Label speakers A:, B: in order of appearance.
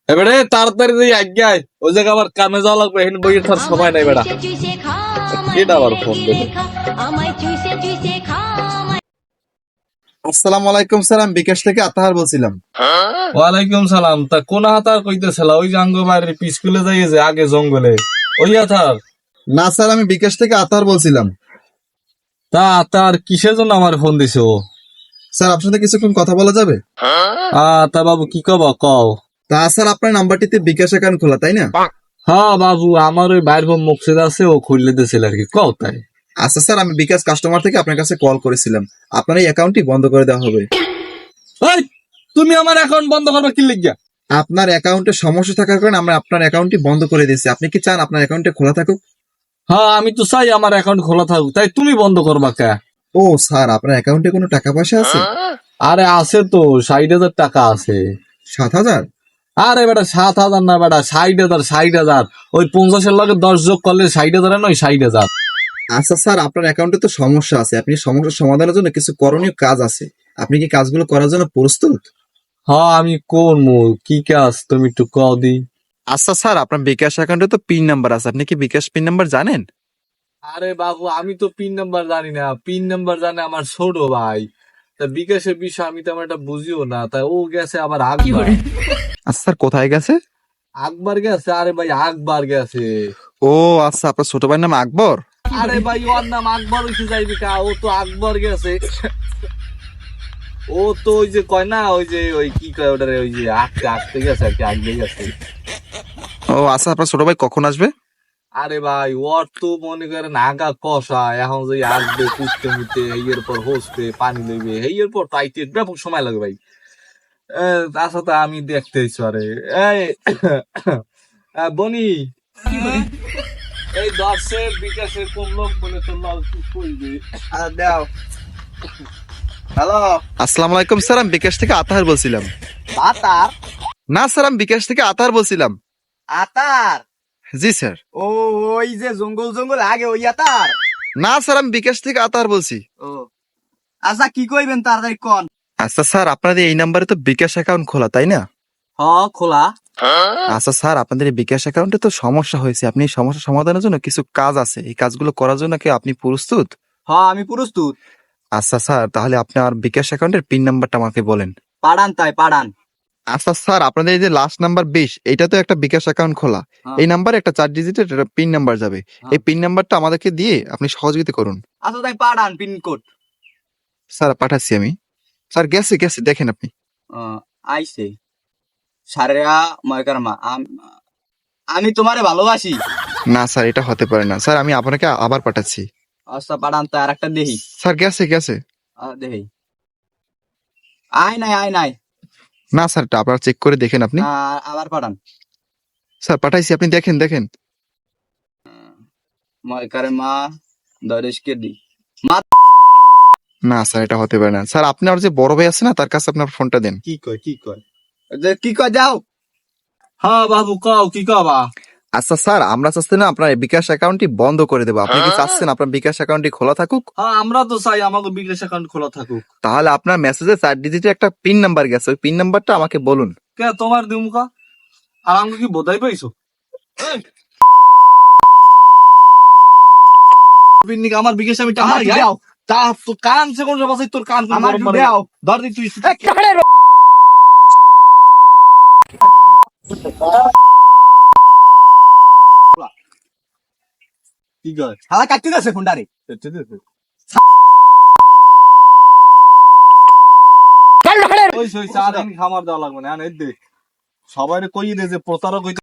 A: এবারে তাড়াতাড়ি তুই আজ্ঞায় ওই জায়গা আবার কামে যাওয়া লাগবে, এখন বইয়ের থার সময় নাই বেড়া। এটা আবার ফোন দেবে।
B: আসসালামু আলাইকুম স্যার, আমি বিকাশ থেকে আতাহার বলছিলাম।
A: ওয়ালাইকুম সালাম। তা কোন হাতার কইতেছিল? ওই যে আঙ্গ বাড়ির পিছকুলে যাইয়ে যে আগে জঙ্গলে ওই হাতার?
B: না স্যার, আমি বিকাশ থেকে আতাহার বলছিলাম।
A: তা তার কিসের জন্য আমার ফোন দিছো?
B: স্যার আপনার সাথে কিছুক্ষণ কথা বলা যাবে?
A: তা বাবু কি কব কও।
B: তা স্যার আপনার নাম্বারটিতে বিকাশ অ্যাকাউন্ট খোলা তাই না?
A: হ্যাঁ বাবু, আমার ওই বাইর বোন মুকসিদ আছে, ও খুললে দিয়েছিল আর কি। কও তাই?
B: আচ্ছা স্যার, আমি বিকাশ কাস্টমার থেকে আপনার কাছে কল করেছিলাম, আপনার এই অ্যাকাউন্টটি বন্ধ করে দেওয়া হবে।
A: এই, তুমি আমার অ্যাকাউন্ট বন্ধ করবে কি লিখিয়া?
B: আপনার অ্যাকাউন্টে সমস্যা থাকার কারণে আমরা আপনার অ্যাকাউন্টটি বন্ধ করে দিয়েছি। আপনি কি চান আপনার অ্যাকাউন্টে খোলা থাকুক?
A: হ্যাঁ, আমি তো চাই আমার অ্যাকাউন্ট খোলা থাকুক, তাই তুমি বন্ধ করবা কে?
B: ও স্যার, আপনার অ্যাকাউন্টে কোনো টাকা পয়সা আছে?
A: আরে আছে তো, 60,000 টাকা আছে।
B: 7,000?
A: আরে বেটা 7,000 না বেটা, 60,000, 60,000। ওই 50-এর লগে 10 যোগ করলে 60,000 নয়, 60,000।
B: আচ্ছা স্যার, আপনার অ্যাকাউন্টে তো সমস্যা আছে, আপনি সমস্যার সমাধানের জন্য কিছু করণীয় কাজ আছে, আপনি কি কাজগুলো করার জন্য প্রস্তুত?
A: হ্যাঁ আমি করবো। কি কাজ তুমি একটু কও দি।
B: আচ্ছা স্যার, আপনার বিকাশ অ্যাকাউন্টে তো পিন নাম্বার আছে, আপনি কি বিকাশ পিন নাম্বার জানেন?
A: আরে বাবু, আমি তো পিন নাম্বার জানি না। পিন নাম্বার জানে আমার ছোট ভাই। তা বিকাশের বিষয় আমি তেমন একটা বুঝিও না, তাই ও গেছে আবার আকবার।
B: আচ্ছা স্যার, কোথায় গেছে?
A: আকবার গেছে, আরে ভাই আকবার গেছে।
B: ও আচ্ছা, আপনার ছোট ভাইয়ের নাম আকবর?
A: আরে ভাই ওর নাম আকবর হইতে যাইবি কা? ও তো আকবর গেছে। ও তো ওই যে কয় না, ওই যে ওই কি কয় ওটারে, ওই যে আঁকতে আঁকতে গেছে আর কি, আঁকতে গেছে।
B: ও আচ্ছা, আপনার ছোট ভাই কখন আসবে?
A: আরে ভাই ওর তো মনে করেন আগা কষা, এখন যে আসবে কুটতে মুটতে, এর পর হসবে পানি লইবে, এর পর তাইতে ব্যাপক সময় লাগবে ভাই। আচ্ছা তা আমি দেখতে ইচ্ছু। আরে এই বনি, এই দর্শে বিকাশে কোন লোক বলে তোর লাল কি করবে?
C: দাও। হ্যালো।
B: আসসালামু আলাইকুম স্যার, আমি বিকাশ থেকে আতাহার বলছিলাম।
C: আতার?
B: না স্যার, আমি বিকাশ থেকে আতাহার বলছিলাম।
C: আতার?
B: জি স্যার।
C: ও, ওই যে জঙ্গল জঙ্গল আগে ওই আতার?
B: না স্যার, আমি বিকাশ থেকে আতাহার বলছি।
C: ও আচ্ছা, কি কইবেন তাড়াতাড়ি কোন।
B: আচ্ছা স্যার, আপনাদের এই নাম্বারে তো বিকাশ অ্যাকাউন্ট খোলা তাই না?
C: হ, খোলা।
B: আচ্ছা স্যার, আপনাদের এই বিকাশ অ্যাকাউন্টে তো সমস্যা হয়েছে, আপনি এই সমস্যা সমাধানের জন্য কিছু কাজ আছে, এই কাজগুলো করার জন্য কি আপনি প্রস্তুত?
C: হ, আমি প্রস্তুত।
B: আচ্ছা স্যার, তাহলে আপনার বিকাশ অ্যাকাউন্টের পিন নাম্বারটা আমাকে বলেন।
C: পাড়ান তাই পাড়ান।
B: আচ্ছা স্যার, আপনাদের এই যে লাস্ট নাম্বার 20, এটা তো একটা বিকাশ অ্যাকাউন্ট খোলা।
C: হ্যাঁ।
B: এই নাম্বারে একটা 4 ডিজিটের পিন নাম্বার যাবে।
C: হ্যাঁ।
B: এই পিন নাম্বারটা আমাদেরকে দিয়ে আপনি সহযোগিতা করুন।
C: আচ্ছা তাই পাড়ান পিনকোড।
B: স্যার পাঠাচ্ছি আমি। স্যার গেছে গেছে, দেখেন আপনি।
C: আইছে সারেয়া ময়কারমা। আমি তোমারে ভালোবাসি।
B: না স্যার, এটা হতে পারে না স্যার, আমি আপনাকে আবার পাঠাচ্ছি।
C: আচ্ছা পাড়ান তো আর একটা দেহি।
B: স্যার গেছে গেছে।
C: দেহি। আয় নাই আয় নাই।
B: না স্যার, এটা আপনারা চেক করে দেখেন আপনি।
C: আবার পাড়ান।
B: স্যার পাঠাইছি, আপনি দেখেন দেখেন।
C: ময়কারমা দরেশকে দি।
B: না স্যার, এটা হতে পারে না স্যার, আপনার যে বড় ভাই আছে না, তার কাছে আপনার ফোনটা দেন।
C: কি কয় কি কয়? যে কি কয় যাও।
A: হ্যাঁ বাবু কও, কি কবা?
B: আচ্ছা স্যার, আমরা চাচ্ছি না আপনার এই বিকাশ অ্যাকাউন্টটি বন্ধ করে দেবো, আপনি কি চাচ্ছেন আপনার বিকাশ অ্যাকাউন্টটি খোলা থাকুক?
A: হ্যাঁ আমরা তো চাই আমাকে বিকাশ অ্যাকাউন্ট খোলা থাকুক।
B: তাহলে আপনার মেসেজে 4 ডিজিটের একটা পিন নাম্বার গেছে, ওই পিন নাম্বারটা আমাকে বলুন।
A: কে তোমার দিমুকা? আর আমাকে কি বোধাই পাইছো? আমার বিকাশ আমি টাকা
C: আমার দাও।
A: তা তো কান সে কোন বাসাই তোর কান
C: আমার দাও।
A: ধর দি তুই। কি কয়?
C: হালা কাটতে যাচ্ছে ফোনটারে।
A: ওই সই চা খামার দেওয়া লাগবে না, দে সবাই কই দে যে প্রতারক